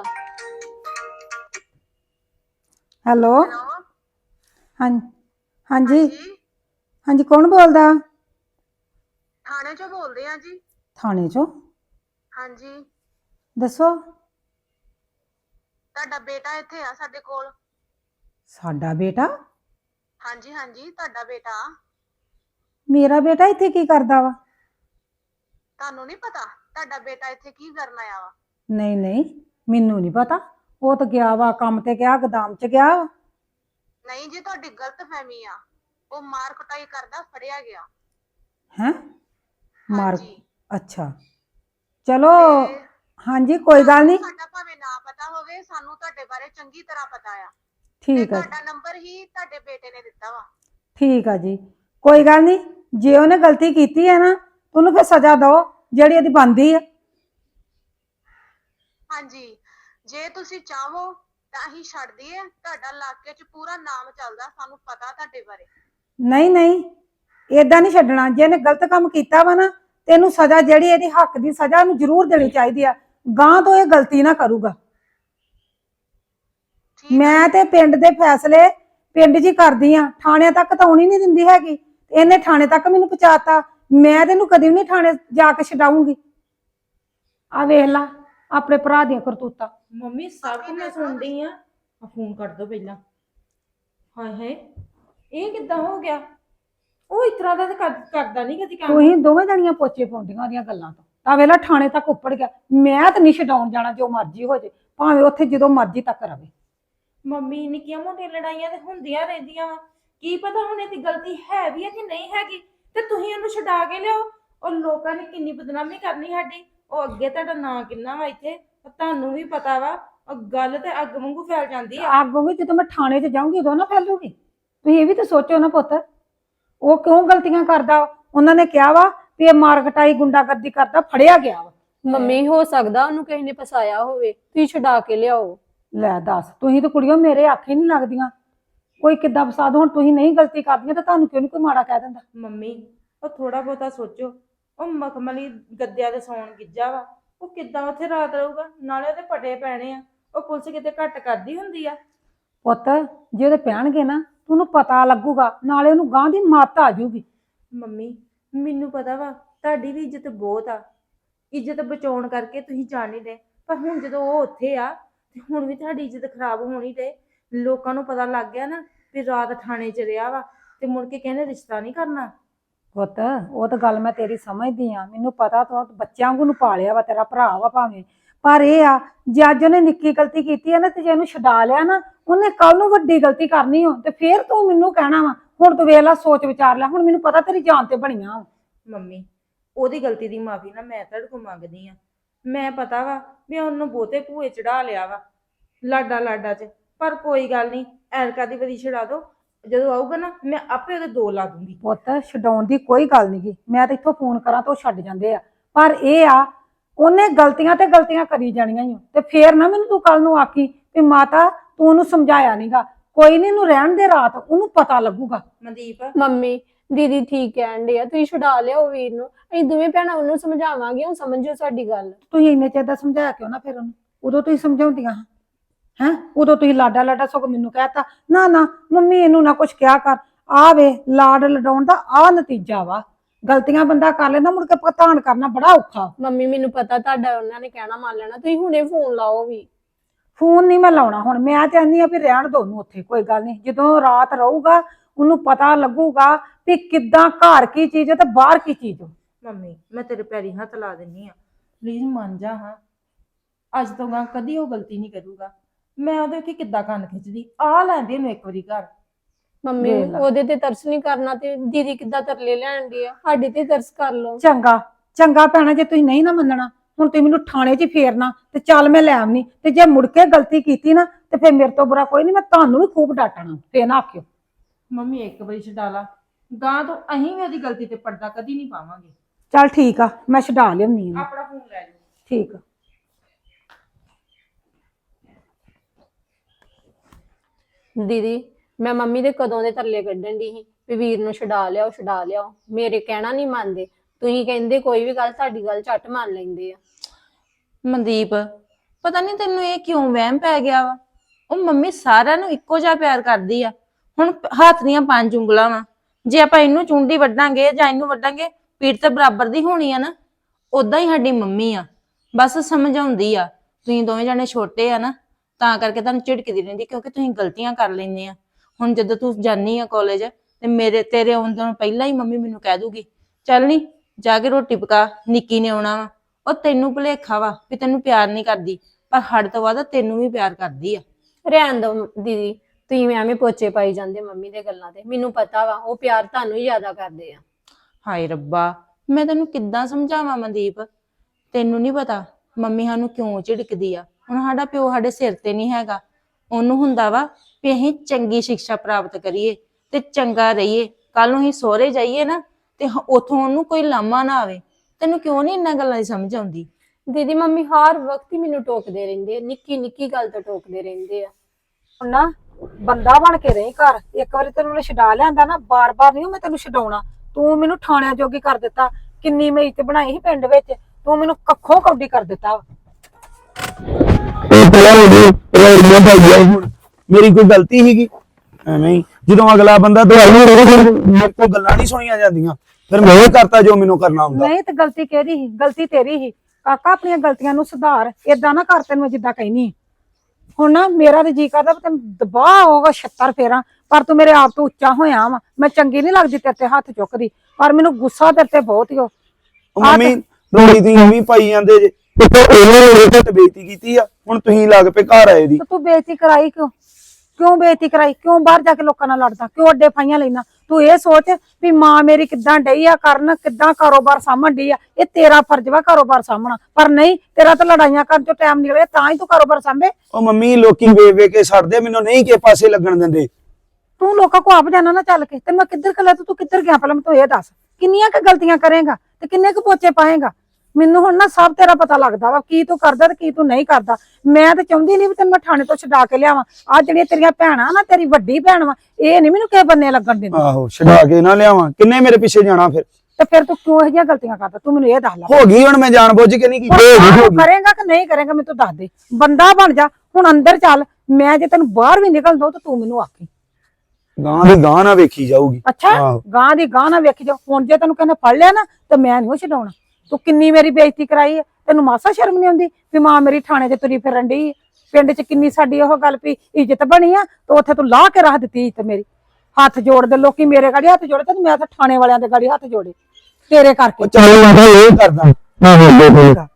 ਹੈਲੋ। ਹਾਂ ਹਾਂਜੀ ਹਾਂਜੀ, ਕੌਣ ਬੋਲਦਾ?
ਥਾਣੇ ਚੋਂ ਬੋਲਦੇ ਆ ਜੀ।
ਥਾਣੇ ਚੋਂ?
ਹਾਂਜੀ,
ਦੱਸੋ।
ਤੁਹਾਡਾ ਬੇਟਾ ਇੱਥੇ ਆ ਸਾਡੇ ਕੋਲ।
ਸਾਡਾ ਬੇਟਾ?
ਹਾਂਜੀ ਹਾਂਜੀ, ਤੁਹਾਡਾ ਬੇਟਾ।
ਮੇਰਾ ਬੇਟਾ ਇੱਥੇ ਕੀ ਕਰਦਾ ਵਾ?
ਤੁਹਾਨੂੰ ਨਹੀਂ ਪਤਾ ਤੁਹਾਡਾ ਬੇਟਾ ਇੱਥੇ ਕੀ ਕਰਨ ਆਇਆ ਵਾ?
ਨਹੀਂ ਨਹੀਂ, ਮੈਨੂੰ ਨਹੀਂ ਪਤਾ। ਉਹ ਤਾਂ ਗਿਆ ਵਾ ਕੰਮ ਤੇ, ਗਿਆ ਗੋਦਾਮ 'ਚ ਗਿਆ ਵਾ।
ਨਹੀਂ ਜੀ, ਤੁਹਾਡੀ ਗਲਤਫਹਿਮੀ ਆ। ਉਹ ਮਾਰ ਕੁਟਾਈ ਕਰਦਾ ਫੜਿਆ ਗਿਆ।
ਹੈ? ਮਾਰ?
ਹਾਂਜੀ।
ਅੱਛਾ, ਚਲੋ।
ਤੇ
ਹਾਂਜੀ, ਕੋਈ ਗੱਲ ਨਹੀਂ।
ਸਾਡਾ ਭਾਵੇਂ ਨਾ ਪਤਾ ਹੋਵੇ, ਸਾਨੂੰ ਤੁਹਾਡੇ ਬਾਰੇ ਚੰਗੀ ਤਰ੍ਹਾਂ ਪਤਾ ਆ। ਤੇ
ਠੀਕ ਆ,
ਤੁਹਾਡਾ ਨੰਬਰ ਹੀ ਤੁਹਾਡੇ ਬੇਟੇ ਨੇ ਦਿੱਤਾ ਵਾ।
ਠੀਕ ਆ ਜੀ, ਕੋਈ ਗੱਲ ਨਹੀਂ। ਜੇ ਉਹਨੇ ਗਲਤੀ ਕੀਤੀ ਹੈ ਨਾ, ਉਹਨੂੰ ਫਿਰ ਸਜ਼ਾ ਦਿਓ ਜਿਹੜੀ ਉਹਦੀ ਬਣਦੀ ਹੈ।
ਹਾਂਜੀ, ਜੇ ਤੁਸੀਂ ਚਾਹੋ ਤਾਂ ਅਸੀਂ ਛੱਡ ਦਈਏ। ਤੁਹਾਡਾ ਇਲਾਕੇ 'ਚ ਪੂਰਾ ਨਾਮ ਚੱਲਦਾ, ਸਾਨੂੰ ਪਤਾ ਤੁਹਾਡੇ ਬਾਰੇ।
ਨਹੀਂ ਨਹੀਂ, ਏਦਾਂ ਨਹੀਂ ਛੱਡਣਾ। ਜੇ ਇਹਨੇ ਗਲਤ ਕੰਮ ਕੀਤਾ ਵਾ ਨਾ, ਤੇ ਇਹਨੂੰ ਸਜ਼ਾ ਜਿਹੜੀ ਇਹਦੀ ਹੱਕ ਦੀ ਸਜ਼ਾ ਇਹਨੂੰ ਜ਼ਰੂਰ ਦੇਣੀ ਚਾਹੀਦੀ ਆ। ਗਾਂ ਤੋਂ ਇਹ ਗਲਤੀ ਨਾ ਕਰੂਗਾ।
ਠੀਕ ਆ
ਮੈਂ ਤੇ ਪਿੰਡ ਦੇ ਫੈਸਲੇ ਪਿੰਡ 'ਚ ਹੀ ਕਰਦੀ ਆ, ਥਾਣੇ ਤੱਕ ਤਾਂ ਆਉਣੀ ਨਹੀਂ ਦਿੰਦੀ ਹੈਗੀ। ਇਹਨੇ ਥਾਣੇ ਤੱਕ ਮੈਨੂੰ ਪਹੁੰਚਾਤਾ। ਮੈਂ ਤੈਨੂੰ ਕਦੀ ਵੀ ਨਹੀਂ ਥਾਣੇ ਜਾ ਕੇ ਛਡਾਉਂਗੀ। ਆ ਵੇਖ ਲਾ ਆਪਣੇ ਭਰਾ ਦੀਆਂ ਕਰਤੂਤਾਂ।
ਮੰਮੀ ਸਭ ਕੁਝ ਮੈਂ ਸੁਣਦੀ ਆ। ਫੋਨ ਕਰ ਦੋ ਪਹਿਲਾਂ। ਹਾਏ ਹਾਏ, ਇਹ ਕਿੱਦਾਂ ਹੋ ਗਿਆ? ਉਹ ਇਸ ਤਰ੍ਹਾਂ ਦਾ ਤਾਂ ਕਰਦਾ ਨਹੀਂ ਕਦੀ ਕੰਮ।
ਤੁਸੀਂ ਦੋਵੇਂ ਜਣੀਆਂ ਪੋਚੇ ਪਾਉਂਦੀਆਂ ਉਹਦੀਆਂ ਗੱਲਾਂ ਤੋਂ। ਤਾਂ ਵੇਲਾ ਥਾਣੇ ਤੱਕ ਉੱਪੜ ਗਿਆ। ਮੈਂ ਤਾਂ ਨਹੀਂ ਛਡਾਉਣ ਜਾਣਾ, ਜੋ ਮਰਜ਼ੀ ਹੋ ਜੇ, ਭਾਵੇਂ ਉੱਥੇ ਜਦੋਂ ਮਰਜ਼ੀ ਤੱਕ ਰਵੇ।
ਮੰਮੀ ਨਿੱਕੀਆਂ ਮੋਟੀਆਂ ਲੜਾਈਆਂ ਤੇ ਹੁੰਦੀਆਂ ਰਹਿੰਦੀਆਂ ਵਾ। ਕੀ ਪਤਾ ਹੁਣ ਇਹਦੀ ਗਲਤੀ ਹੈ ਵੀ ਹੈ ਕਿ ਨਹੀਂ ਹੈਗੀ, ਤੇ ਤੁਸੀਂ ਉਹਨੂੰ ਛਡਾ ਕੇ ਲਿਆਓ। ਉਹ ਲੋਕਾਂ ਨੇ ਕਿੰਨੀ ਬਦਨਾਮੀ ਕਰਨੀ ਸਾਡੀ। ਉਹ ਅੱਗੇ ਤੁਹਾਡਾ ਨਾਂ ਕਿੰਨਾ ਵਾ ਇੱਥੇ, ਤੁਹਾਨੂੰ ਵੀ ਪਤਾ ਵਾ। ਉਹ ਗੱਲ ਤੇ ਅੱਗ ਵਾਂਗੂ ਫੈਲ ਜਾਂਦੀ ਆ।
ਅੱਗੋਂ ਵੀ ਜਦੋਂ ਮੈਂ ਥਾਣੇ 'ਚ ਜਾਊਂਗੀ ਉਦੋਂ ਨਾ ਫੈਲੂਗੀ। ਤੁਸੀਂ ਇਹ ਵੀ ਤਾਂ ਸੋਚੋ ਨਾ ਪੁੱਤ, ਉਹ ਕਿਉਂ ਗਲਤੀਆਂ ਕਰਦਾ। ਉਹਨਾਂ ਨੇ ਕਿਹਾ ਵਾ ਵੀ ਇਹ ਮਾਰ ਕਟਾਈ ਗੁੰਡਾਗਰਦੀ ਕਰਦਾ, ਫੜਿਆ ਗਿਆ ਵਾ।
ਮੰਮੀ ਹੋ ਸਕਦਾ ਉਹਨੂੰ ਕਿਸੇ ਨੇ ਫਸਾਇਆ ਹੋਵੇ, ਤੁਸੀਂ ਛਡਾ ਕੇ ਲਿਆਓ।
ਲੈ ਦੱਸ, ਤੁਸੀਂ ਤਾਂ ਕੁੜੀਓ ਮੇਰੇ ਆਖੇ ਨਹੀਂ ਲੱਗਦੀਆਂ। ਕੋਈ ਕਿੱਦਾਂ ਫਸਾਦ। ਹੁਣ ਤੁਸੀਂ ਨਹੀਂ ਗਲਤੀ ਕਰਦੀਆਂ ਤਾਂ ਤੁਹਾਨੂੰ ਕਿਉਂ ਨਹੀਂ ਕੋਈ ਮਾੜਾ ਕਹਿ ਦਿੰਦਾ?
ਮੰਮੀ ਉਹ ਥੋੜਾ ਬਹੁਤਾ ਸੋਚੋ। ਉਹ ਮਖਮਲੀ ਗੱਦਿਆਂ ਦੇ ਸੌਣ ਗਿੱਜਾ ਵਾ। ਉਹ ਕਿੱਦਾਂ ਉੱਥੇ ਰਾਤ ਰਹੂਗਾ? ਨਾਲੇ ਉਹਦੇ ਪਟੇ ਪੈਣੇ ਆ। ਉਹ ਪੁਲਿਸ ਕਿਤੇ ਘੱਟ ਕਰਦੀ ਹੁੰਦੀ ਆ?
ਪੁੱਤ ਜੇ ਉਹਦੇ ਪੈਣਗੇ ਨਾ, ਉਹਨੂੰ ਪਤਾ ਲੱਗੂਗਾ, ਨਾਲੇ ਉਹਨੂੰ ਗਾਂ ਦੀ ਮੱਤ ਆ ਜਾਊਗੀ।
ਮੰਮੀ ਮੈਨੂੰ ਪਤਾ ਵਾ ਤੁਹਾਡੀ ਵੀ ਇੱਜ਼ਤ ਬਹੁਤ ਆ। ਇੱਜ਼ਤ ਬਚਾਉਣ ਕਰਕੇ ਤੁਸੀਂ ਜਾਣ ਨਹੀਂ ਦੇ, ਪਰ ਹੁਣ ਜਦੋਂ ਉਹ ਉੱਥੇ ਆ ਤੇ ਹੁਣ ਵੀ ਤੁਹਾਡੀ ਇੱਜ਼ਤ ਖਰਾਬ ਹੋਣੀ ਤੇ ਲੋਕਾਂ ਨੂੰ ਪਤਾ ਲੱਗ ਗਿਆ ਨਾ ਵੀ ਰਾਤ ਥਾਣੇ 'ਚ ਰਿਹਾ ਵਾ, ਤੇ ਮੁੜ ਕੇ ਕਹਿੰਦੇ ਰਿਸ਼ਤਾ ਨਹੀਂ ਕਰਨਾ।
ਪੁੱਤ ਉਹ ਤਾਂ ਗੱਲ ਮੈਂ ਤੇਰੀ ਸਮਝਦੀ ਆ। ਮੈਨੂੰ ਪਤਾ ਤੂੰ ਬੱਚਿਆਂ ਵਾਂਗੂ ਨੂੰ ਪਾਲਿਆ ਵਾ, ਤੇਰਾ ਭਰਾ ਵਾ ਭਾਵੇਂ। ਪਰ ਇਹ ਆ, ਜੇ ਅੱਜ ਉਹਨੇ ਨਿੱਕੀ ਗਲਤੀ ਕੀਤੀ ਹੈ ਨਾ, ਤੇ ਜੇ ਇਹਨੂੰ ਛਡਾ ਲਿਆ ਨਾ, ਉਹਨੇ ਕੱਲ ਨੂੰ ਵੱਡੀ ਗਲਤੀ ਕਰਨੀ ਹੋ, ਤੇ ਫੇਰ ਤੂੰ ਮੈਨੂੰ ਕਹਿਣਾ ਵਾ। ਹੁਣ ਤੂੰ ਵੇਖ ਲੈ, ਸੋਚ ਵਿਚਾਰ ਲੈ। ਹੁਣ ਮੈਨੂੰ ਪਤਾ ਤੇਰੀ ਜਾਨ ਤੇ ਬਣੀਆਂ ਵਾ।
ਮੰਮੀ ਉਹਦੀ ਗਲਤੀ ਦੀ ਮਾਫੀ ਨਾ ਮੈਂ ਤੁਹਾਡੇ ਕੋਲ ਮੰਗਦੀ ਆ। ਮੈਂ ਪਤਾ ਵਾ ਵੀ ਉਹਨੂੰ ਬਹੁਤੇ ਭੂਏ ਚੜਾ ਲਿਆ ਵਾ ਲਾਡਾ ਲਾਡਾ 'ਚ, ਪਰ ਕੋਈ ਗੱਲ ਨਹੀਂ, ਐਲਕਾ ਦੀ ਵਾਰੀ ਛਡਾ ਦੋ। ਜਦੋਂ ਆਊਗਾ ਨਾ ਮੈਂ ਆਪੇ ਉਹਦੇ ਦੋ ਲਾ ਦੂੰਗੀ।
ਪੁੱਤ ਛਡਾਉਣ ਦੀ ਕੋਈ ਗੱਲ ਨਹੀਂ ਗੀ। ਮੈਂ ਤਾਂ ਇੱਥੋਂ ਫੋਨ ਕਰਾਂ ਤਾਂ ਉਹ ਛੱਡ ਜਾਂਦੇ ਆ। ਪਰ ਇਹ ਆ, ਉਹਨੇ ਗਲਤੀਆਂ ਤੇ ਗਲਤੀਆਂ ਕਰੀ ਜਾਣੀਆਂ ਹੀ। ਤੇ ਫੇਰ ਨਾ ਮੈਨੂੰ ਤੂੰ ਕੱਲ ਨੂੰ ਆਖੀ ਵੀ ਮਾਤਾ ਤੂੰ ਉਹਨੂੰ ਸਮਝਾਇਆ ਨਹੀਂਗਾ। ਕੋਈ ਨਹੀਂ, ਇਹਨੂੰ ਰਹਿਣ ਦੇ ਰਾਤ, ਉਹਨੂੰ ਪਤਾ ਲੱਗੂਗਾ।
ਮਨਦੀਪ
ਮੰਮੀ ਦੀਦੀ ਠੀਕ ਕਹਿਣ ਡੇ ਆ, ਤੁਸੀਂ ਛਡਾ ਲਿਆਓ ਵੀਰ ਨੂੰ। ਅਸੀਂ ਦੋਵੇਂ ਭੈਣਾਂ ਉਹਨੂੰ ਸਮਝਾਵਾਂਗੇ, ਹੁਣ ਸਮਝੋ ਸਾਡੀ ਗੱਲ।
ਤੁਸੀਂ ਇੰਨੇ ਚਿਰ ਦਾ ਸਮਝਾਇਆ ਕਿਉਂ ਨਾ ਫਿਰ ਉਹਨੂੰ? ਉਦੋਂ ਤੁਸੀਂ ਸਮਝਾਉਂਦੀਆਂ ਹੈ। ਉਦੋਂ ਤੁਸੀਂ ਲਾਡਾ ਲਾਡਾ ਸਗੋਂ ਮੈਨੂੰ ਕਹਿਤਾ ਨਾ ਨਾ ਮੰਮੀ ਇਹਨੂੰ ਨਾ ਕੁਛ ਕਿਹਾ ਕਰ। ਆ ਵੇ ਲਾਡ ਲਡਾਉਣ ਦਾ ਆ ਨਤੀਜਾ ਵਾ। ਗਲਤੀਆਂ ਬੰਦਾ ਕਰ ਲੈਂਦਾ, ਮੁੜ ਕੇ ਭੁਗਤਾਨ ਕਰਨਾ ਬੜਾ ਔਖਾ।
ਮੰਮੀ ਮੈਨੂੰ ਪਤਾ ਤੁਹਾਡਾ ਉਹਨਾਂ ਨੇ ਕਹਿਣਾ ਮੰਨ ਲੈਣਾ, ਤੁਸੀਂ ਹੁਣੇ ਫੋਨ ਲਾਓ ਵੀ।
ਫੋਨ ਨਹੀਂ ਮੈਂ ਲਾਉਣਾ ਹੁਣ। ਮੈਂ ਚਾਹੁੰਦੀ ਆ ਵੀ ਰਹਿਣ ਦੋ ਉਹਨੂੰ ਉੱਥੇ, ਕੋਈ ਗੱਲ ਨਹੀਂ। ਜਦੋਂ ਰਾਤ ਰਹੂਗਾ ਉਹਨੂੰ ਪਤਾ ਲੱਗੂਗਾ ਵੀ ਕਿੱਦਾਂ ਘਰ ਕੀ ਚੀਜ਼ ਹੈ ਤੇ ਬਾਹਰ ਕੀ ਚੀਜ਼ ਹੈ।
ਮੰਮੀ ਮੈਂ ਤੇਰੇ ਪੈਰੀ ਹੱਥ ਲਾ ਦਿੰਨੀ ਆ, ਪਲੀਜ਼ ਮੰਨ ਜਾ। ਹਾਂ ਅੱਜ ਤੋਂ ਗਾਂ ਕਦੀ ਉਹ ਗਲਤੀ ਨਹੀਂ ਕਰੂਗਾ। ਮੈਂ ਉਹਦੇ ਉੱਤੇ ਕਿੱਦਾਂ ਕੰਨ ਖਿੱਚਦੀ। ਆ ਲੈਂਦੇ ਇਹਨੂੰ ਇੱਕ ਵਾਰੀ ਘਰ।
ਮੰਮੀ
ਵੇਖ ਲਾ।
ਉਹਦੇ ਤੇ ਤਰਸ ਨਹੀਂ ਕਰਨਾ ਤੇ ਦੀਦੀ ਕਿੱਦਾਂ ਤਰਲੇ ਲੈਣ ਦੀ ਆ, ਸਾਡੇ ਤੇ ਤਰਸ ਕਰ ਲਓ।
ਚੰਗਾ ਚੰਗਾ ਭੈਣਾ, ਜੇ ਤੁਸੀਂ ਨਹੀਂ ਨਾ ਮੰਨਣਾ, ਹੁਣ ਤੁਸੀਂ ਮੈਨੂੰ ਥਾਣੇ 'ਚ ਫੇਰਨਾ ਤੇ ਚੱਲ ਮੈਂ ਲੈ ਆਵਨੀ। ਤੇ ਜੇ ਮੁੜ ਕੇ ਗਲਤੀ ਕੀਤੀ ਨਾ ਤੇ ਫਿਰ ਮੇਰੇ ਤੋਂ ਬੁਰਾ ਕੋਈ ਨਹੀਂ। ਮੈਂ ਤੁਹਾਨੂੰ ਵੀ ਖੂਬ ਡਾਂਟਣਾ, ਫੇਰ ਨਾ ਆਖਿਓ।
ਮੰਮੀ ਇੱਕ ਵਾਰੀ ਛਡਾ ਲਾ, ਗਾਂ ਤੋਂ ਅਸੀਂ ਵੀ ਉਹਦੀ ਗਲਤੀ ਤੇ ਪਰਦਾ ਕਦੀ ਨਹੀਂ ਪਾਵਾਂਗੇ।
ਚੱਲ ਠੀਕ ਆ, ਮੈਂ ਛਡਾ ਲਿਆਉਣੀ ਆ।
ਆਪਣਾ ਫੋਨ ਲੈ ਲਓ।
ਠੀਕ ਆ।
ਦੀਦੀ ਮੈਂ ਮੰਮੀ ਦੇ ਕਦੋਂ ਦੇ ਤਰਲੇ ਕੱਢਣ ਦੀ ਸੀ ਵੀ ਵੀਰ ਨੂੰ ਛਡਾ ਲਿਆਓ ਛਡਾ ਲਿਆਓ। ਮੇਰੇ ਕਹਿਣਾ ਨਹੀਂ ਮੰਨਦੇ। ਤੁਸੀਂ ਕਹਿੰਦੇ ਕੋਈ ਵੀ ਗੱਲ, ਤੁਹਾਡੀ ਗੱਲ ਝੱਟ ਮੰਨ ਲੈਂਦੇ ਆ।
ਮਨਦੀਪ ਪਤਾ ਨਹੀਂ ਤੈਨੂੰ ਇਹ ਕਿਉਂ ਵਹਿਮ ਪੈ ਗਿਆ ਵਾ। ਉਹ ਮੰਮੀ ਸਾਰਿਆਂ ਨੂੰ ਇੱਕੋ ਜਿਹਾ ਪਿਆਰ ਕਰਦੀ ਆ। ਹੁਣ ਹੱਥ ਦੀਆਂ 5 ਉਂਗਲਾਂ ਵਾ, ਜੇ ਆਪਾਂ ਇਹਨੂੰ ਚੁੰਡੀ ਵੱਢਾਂਗੇ ਜਾਂ ਇਹਨੂੰ ਵੱਢਾਂਗੇ, ਪੀੜ ਤੇ ਬਰਾਬਰ ਦੀ ਹੋਣੀ ਆ ਨਾ। ਉਦਾਂ ਹੀ ਸਾਡੀ ਮੰਮੀ ਆ, ਬਸ ਸਮਝਾਉਂਦੀ ਆ। ਤੁਸੀਂ ਦੋਵੇਂ ਜਾਣੇ ਛੋਟੇ ਆ ਨਾ, ਤਾਂ ਕਰਕੇ ਤੁਹਾਨੂੰ ਝਿੜਕਦੀ ਰਹਿੰਦੀ, ਕਿਉਂਕਿ ਤੁਸੀਂ ਗਲਤੀਆਂ ਕਰ ਲੈਂਦੇ ਆ। ਹੁਣ ਜਦੋਂ ਤੂੰ ਜਾਨੀ ਆ ਕਾਲਜ ਤੇ ਤੇਰੇ ਆਉਣ ਤੋਂ ਪਹਿਲਾਂ ਹੀ ਮੰਮੀ ਮੈਨੂੰ ਕਹਿ ਦੂਗੀ ਚੱਲ ਨੀ ਜਾ ਕੇ ਰੋਟੀ ਪਕਾ, ਨਿੱਕੀ ਨੇ ਆਉਣਾ ਵਾ। ਉਹ ਤੈਨੂੰ ਭੁਲੇਖਾ ਵਾ ਵੀ ਤੈਨੂੰ ਪਿਆਰ ਨਹੀਂ ਕਰਦੀ, ਪਰ ਹੱਦ ਤੋਂ ਵੱਧ ਤੈਨੂੰ ਵੀ ਪਿਆਰ ਕਰਦੀ ਆ।
ਰਹਿਣ ਦੋ ਦੀਦੀ, ਤੁਸੀਂ ਐਵੇਂ ਪੋਚੇ ਪਾਈ ਜਾਂਦੇ ਮੰਮੀ ਦੇ ਗੱਲਾਂ ਤੇ। ਮੈਨੂੰ ਪਤਾ ਵਾ ਉਹ ਪਿਆਰ ਤੁਹਾਨੂੰ ਹੀ ਜ਼ਿਆਦਾ ਕਰਦੇ ਆ।
ਹਾਏ ਰੱਬਾ, ਮੈਂ ਤੈਨੂੰ ਕਿੱਦਾਂ ਸਮਝਾਵਾਂ ਮਨਦੀਪ? ਤੈਨੂੰ ਨਹੀਂ ਪਤਾ ਮੰਮੀ ਸਾਨੂੰ ਕਿਉਂ ਝਿੜਕਦੀ ਆ। ਹੁਣ ਸਾਡਾ ਪਿਓ ਸਾਡੇ ਸਿਰ ਤੇ ਨਹੀਂ ਹੈਗਾ, ਉਹਨੂੰ ਹੁੰਦਾ ਵਾ ਵੀ ਅਸੀਂ ਚੰਗੀ ਸਿੱਖਿਆ ਪ੍ਰਾਪਤ ਕਰੀਏ ਤੇ ਚੰਗਾ ਰਹੀਏ, ਕੱਲ ਨੂੰ ਅਸੀਂ ਸਹੁਰੇ ਜਾਈਏ ਨਾ ਤੇ ਉਥੋਂ ਉਹਨੂੰ ਕੋਈ ਲਾਮਾ ਨਾ ਆਵੇ। ਤੈਨੂੰ ਕਿਉਂ ਨਹੀਂ ਇੰਨਾ ਗੱਲਾਂ ਦੀ ਸਮਝ ਆਉਂਦੀ?
ਦੀਦੀ ਮੰਮੀ ਹਰ ਵਕਤ ਹੀ ਮੈਨੂੰ ਟੋਕਦੇ ਰਹਿੰਦੇ ਆ, ਨਿੱਕੀ ਨਿੱਕੀ ਗੱਲ ਤੋਂ ਟੋਕਦੇ ਰਹਿੰਦੇ ਆ।
ਹੁਣ ਨਾ ਬੰਦਾ ਬਣ ਕੇ ਰਹੀ ਘਰ। ਇੱਕ ਵਾਰੀ ਤੈਨੂੰ ਮੈਂ ਛਡਾ ਲਿਆਂਦਾ ਨਾ, ਬਾਰ-ਬਾਰ ਨਹੀਂ ਮੈਂ ਤੈਨੂੰ ਛਡਾਉਣਾ। ਤੂੰ ਮੈਨੂੰ ਠਾਣਿਆਂ ਜੋਗੀ ਕਰ ਦਿੱਤਾ, ਕਿੰਨੀ ਮੈਂ ਇੱਜ਼ਤ ਬਣਾਈ ਸੀ ਪਿੰਡ ਵਿੱਚ, ਤੂੰ ਮੈਨੂੰ ਕੱਖੋਂ ਕੌਡੀ ਕਰ ਦਿੱਤਾ ਵਾ।
ਮੇਰੀ ਕੋਈ ਗਲਤੀ ਸੀਗੀ? ਐਵੇਂ ਹੀ ਜਦੋਂ ਅਗਲਾ ਬੰਦਾ ਮੇਰੇ ਕੋਲ ਗੱਲਾਂ ਨਹੀਂ ਸੁਣੀਆਂ ਜਾਂਦੀਆਂ, ਫਿਰ ਮੈਂ ਇਹ ਕਰਤਾ ਜੋ ਮੈਨੂੰ ਕਰਨਾ ਹੁੰਦਾ।
ਨਹੀਂ ਤੇ ਗਲਤੀ ਕਿਹਦੀ ਸੀ? ਗਲਤੀ ਤੇਰੀ ਸੀ। ਕਾਕਾ ਆਪਣੀਆਂ ਗਲਤੀਆਂ ਨੂੰ ਸੁਧਾਰ, ਏਦਾਂ ਨਾ ਕਰ ਤੈਨੂੰ ਜਿੱਦਾਂ ਕਹਿਨੀ। ਹੁਣ ਨਾ ਮੇਰਾ ਤੇ ਜੀ ਕਰਦਾ ਤੈਨੂੰ ਦਬਾ ਹੋਗਾ 76 ਫੇਰਾਂ, ਪਰ ਤੂੰ ਮੇਰੇ ਆਪ ਤੋਂ ਉੱਚਾ ਹੋਇਆ ਵਾ। ਮੈਂ ਚੰਗੀ ਨਹੀਂ ਲੱਗਦੀ ਤੇਰੇ ਤੇ ਹੱਥ ਚੁੱਕਦੀ, ਪਰ ਮੈਨੂੰ ਗੁੱਸਾ ਤੇਰੇ ਤੇ ਬਹੁਤ ਹੀ।
ਮੰਮੀ ਰੋਈ ਦੀ ਵੀ ਪਾਈ ਜਾਂਦੇ ਜੇ, ਉਹਨੇ ਬੇਇੱਜ਼ਤੀ ਕੀਤੀ ਆ, ਹੁਣ ਤੁਸੀਂ ਲੱਗ ਪਏ ਘਰ ਆਏ ਦੀ।
ਤੂੰ ਬੇਇੱਜ਼ਤੀ ਕਰਾਈ ਕਿਉਂ ਬੇਇੱਜ਼ਤੀ ਕਰਾਈ? ਕਿਉਂ ਬਾਹਰ ਜਾ ਕੇ ਲੋਕਾਂ ਨਾਲ ਲੜਦਾ? ਕਿਉਂ ਅੱਡੇ ਫਾਈਆਂ ਲੈਣਾ? ਤੂੰ ਇਹ ਸੋਚ ਵੀ ਮਾਂ ਮੇਰੀ ਕਿੱਦਾਂ ਡਈ ਆ ਕਰਨ, ਕਿੱਦਾਂ ਕਾਰੋਬਾਰ ਸਾਂਭਣ ਡਈ ਆ। ਇਹ ਤੇਰਾ ਫਰਜ਼ ਵਾ ਕਾਰੋਬਾਰ ਸਾਂਭਣਾ, ਪਰ ਨਹੀਂ, ਤੇਰਾ ਤਾਂ ਲੜਾਈਆਂ ਕਰਨ ਚੋਂ ਟਾਈਮ ਨਿਕਲੇ ਤਾਂ ਹੀ ਤੂੰ ਕਾਰੋਬਾਰ ਸਾਂਭੇ।
ਉਹ ਮੰਮੀ ਲੋਕੀ ਵੇ ਕੇ ਛੱਡਦੇ, ਮੈਨੂੰ ਨਹੀਂ ਕਿਸੇ ਪਾਸੇ ਲੱਗਣ ਦਿੰਦੇ।
ਤੂੰ ਲੋਕਾਂ ਕੋ ਆਪ ਜਾਣਾ ਨਾ ਚੱਲ ਕੇ। ਤੈਨੂੰ ਮੈਂ ਕਿੱਧਰ ਕਲਾ ਤੂੰ ਕਿੱਧਰ ਗਿਆ? ਪਹਿਲਾਂ ਤੂੰ ਇਹ ਦੱਸ, ਕਿੰਨੀਆਂ ਕੁ ਗਲਤੀਆਂ ਕਰੇਗਾ ਤੇ ਕਿੰਨੇ ਕੁ ਪੋਚੇ ਪਾਏਗਾ? ਮੈਨੂੰ ਹੁਣ ਨਾ ਸਭ ਤੇਰਾ ਪਤਾ ਲੱਗਦਾ ਵਾ, ਕੀ ਤੂੰ ਕਰਦਾ ਤੇ ਕੀ ਤੂੰ ਨਹੀਂ ਕਰਦਾ। ਮੈਂ ਤਾਂ ਚਾਹੁੰਦੀ ਨਹੀਂ ਵੀ ਤੈਨੂੰ ਮੈਂ ਥਾਣੇ ਤੋਂ ਛਡਾ ਕੇ ਲਿਆਵਾਂ। ਆ ਜਿਹੜੀਆਂ ਤੇਰੀਆਂ ਭੈਣਾਂ ਨਾ, ਤੇਰੀ ਵੱਡੀ ਭੈਣ ਵਾ, ਇਹ ਨਹੀਂ ਮੈਨੂੰ ਕਿਸੇ ਬੰਨੇ ਲੱਗਣ ਦਿੰਦੀ।
ਆਹੋ ਛਡਾ ਕੇ ਨਾ ਲਿਆਵਾਂ, ਕਿੰਨੇ ਮੇਰੇ ਪਿੱਛੇ ਜਾਣਾ ਫਿਰ?
ਤੇ ਫਿਰ ਤੂੰ ਕਿਉਂ ਇਹ ਜਿਹੀਆਂ ਗਲਤੀਆਂ ਕਰਦਾ? ਤੂੰ ਮੈਨੂੰ ਇਹ ਦੱਸ ਲੈ।
ਹੋ ਗਈ ਹੁਣ, ਮੈਂ ਜਾਣ ਬੁੱਝ ਕੇ ਨਹੀਂ ਕੀਤੀ।
ਕਰੇਗਾ ਕਿ ਨਹੀਂ ਕਰੇਗਾ ਮੈਨੂੰ ਤੂੰ ਦੱਸ ਦੇ। ਬੰਦਾ ਬਣ ਜਾ, ਹੁਣ ਅੰਦਰ ਚੱਲ। ਮੈਂ ਜੇ ਤੈਨੂੰ ਬਾਹਰ ਵੀ ਨਿਕਲ ਦਊ ਤਾਂ ਤੂੰ ਮੈਨੂੰ ਆਖੀ।
ਗਾਂ ਦੀ ਗਾਂ ਨਾ ਵੇਖੀ ਜਾਊਗੀ।
ਅੱਛਾ, ਗਾਂ ਦੀ ਗਾਂ ਨਾ ਵੇਖੀ ਜਾ। ਹੁਣ ਜੇ ਤੈਨੂੰ ਕਹਿੰਦੇ ਫੜ ਲਿਆ ਨਾ ਤੇ ਮੈਂ ਨਹੀਂ ਉਹ ਛਡਾਉਣਾ। ਤੂੰ ਕਿੰਨੀ ਮੇਰੀ ਬੇਇੱਜ਼ਤੀ ਕਰਾਈ ਹੈ, ਤੈਨੂੰ ਮਾਸਾ ਸ਼ਰਮ ਨਹੀਂ ਆਉਂਦੀ ਵੀ ਮਾਂ ਮੇਰੀ ਥਾਣੇ 'ਚ ਤੁਰੀ ਫਿਰਨ ਡਈ। ਪਿੰਡ 'ਚ ਕਿੰਨੀ ਸਾਡੀ ਉਹ ਗੱਲ ਵੀ ਇੱਜ਼ਤ ਬਣੀ ਆ, ਤੇ ਉੱਥੇ ਤੂੰ ਲਾਹ ਕੇ ਰੱਖ ਦਿੱਤੀ ਇੱਜ਼ਤ ਮੇਰੀ। ਹੱਥ ਜੋੜਦੇ ਲੋਕੀ ਮੇਰੇ ਗਾੜੀ ਹੱਥ ਜੋੜੇ ਤੇ ਮੈਂ ਤਾਂ ਥਾਣੇ ਵਾਲਿਆਂ ਦੇ ਗਾੜੀ ਹੱਥ ਜੋੜੇ ਤੇਰੇ ਕਰਕੇ।
ਚੱਲ ਮੈਂ ਇਹ ਕਰਦਾ।